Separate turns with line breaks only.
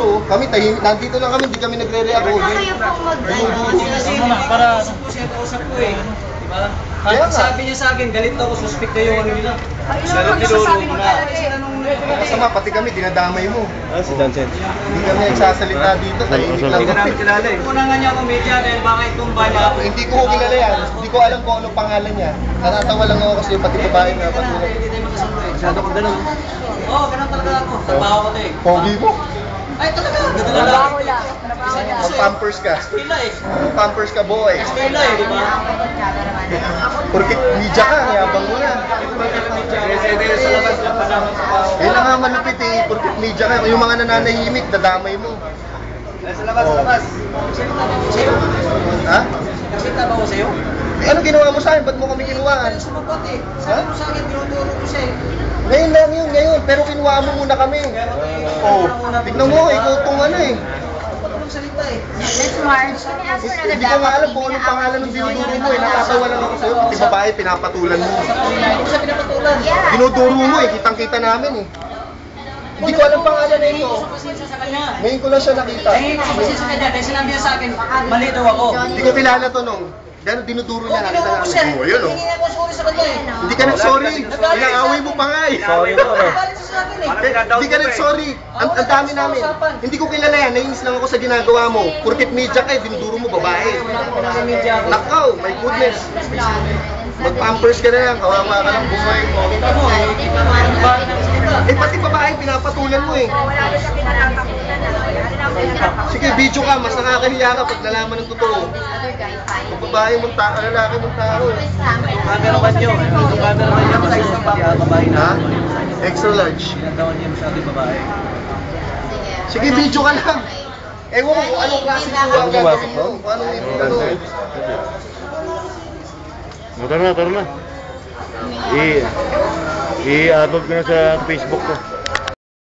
dinuduro. Kami, nandito lang kami, hindi kami nagre-react.
Baka kayo pong
Para siya kausap ko eh. Diba? Kahit sabi niya sa akin, galit ako, suspect na yung ano nila.
Ayun ang magsasabi ng
Masama, pati kami, dinadamay mo.
Si Johnson.
Hindi kami nagsasalita dito. Tahimik lang.
Hindi ka namin kilala eh. Una nga niya ako media dahil baka itumba niya ako.
Hindi ko kilala yan. Hindi ko alam kung anong pangalan niya. Natatawa lang ako kasi pati babae na patuloy.
Hindi tayo magkasundo eh. Masyado kong ganun. Oo, ganun talaga ako. Trabaho ko to eh.
Pogi mo.
Ay, talaga.
Trabaho lang. Trabaho lang.
Mag-pampers ka.
Stila eh.
Mag-pampers ka, boy.
Stila eh, di ba?
Porkit media ka, yabang mo na.
Sa labas lang pa naman sa baho.
Kaya nga malupit eh, porkit media ka. Yung mga nananahimik, dadamay mo.
Sa labas, sa labas. Sa'yo?
Ha?
Nakita ba ko sa'yo?
Eh, ano ginawa mo sa akin? Ba't mo kami kinuhaan?
Ano sumagot eh. Sabi mo sa akin, tinuturo ko siya eh.
Ngayon lang yun, ngayon. Pero kinuha mo muna kami. Oh, tignan mo, ikaw itong ano eh.
Dapat ko magsalita eh.
Let's march.
Hindi ko nga alam kung anong pangalan ng dinuduro mo eh. Natatawa lang ako sa'yo. Pati babae, pinapatulan mo.
Hindi ko siya pinapatulan.
Dinuduro mo eh. Kitang-kita namin eh. Hindi ko alam pangalan na ito.
Pasensya sa kanya.
Ngayon ko lang siya nakita.
Eh, pasensya sa kanya. Dahil sinabi niya sa akin, mali daw ako.
Hindi ko kilala to nung. Dahil dinuduro niya, nakita
Tinuro ko siya.
namin. Oh, yun oh.
Hindi nga ako sorry sa kanya eh.
Hindi ka nag-sorry. Inaaway mo pa nga eh.
Sorry mo ano.
Galit siya sa akin eh.
Hindi ka nag-sorry. Ang dami namin. Hindi ko kilala yan. Nainis lang ako sa ginagawa mo. Porkit media ka eh, dinuduro mo babae.
Wala ko nang media ako.
Nakaw, my goodness. Mag-pampers ka na lang. Kawawa ka ng buhay mo.
Kita mo eh. Kita mo yung bakit ang salita.
Eh pati babae, pinapatulan mo eh.
Wala ko siya pinatatakutan na. Wala ko pinatatakutan.
Sige, video ka. Mas nakakahiya ka pag nalaman ng totoo.
Other guy, fine.
Kung babae mong tao, lalaki mong tao.
Camera man nyo. Yung camera man nyo. Sa isang babae
Ha?
na.
Extra large.
Ginagawa niya masyado yung babae.
Sige, video ka lang. Ewan ko kung anong klase ang gagawin mo. Kung anong ano.
Tara na. I-upload ko na sa Facebook ko.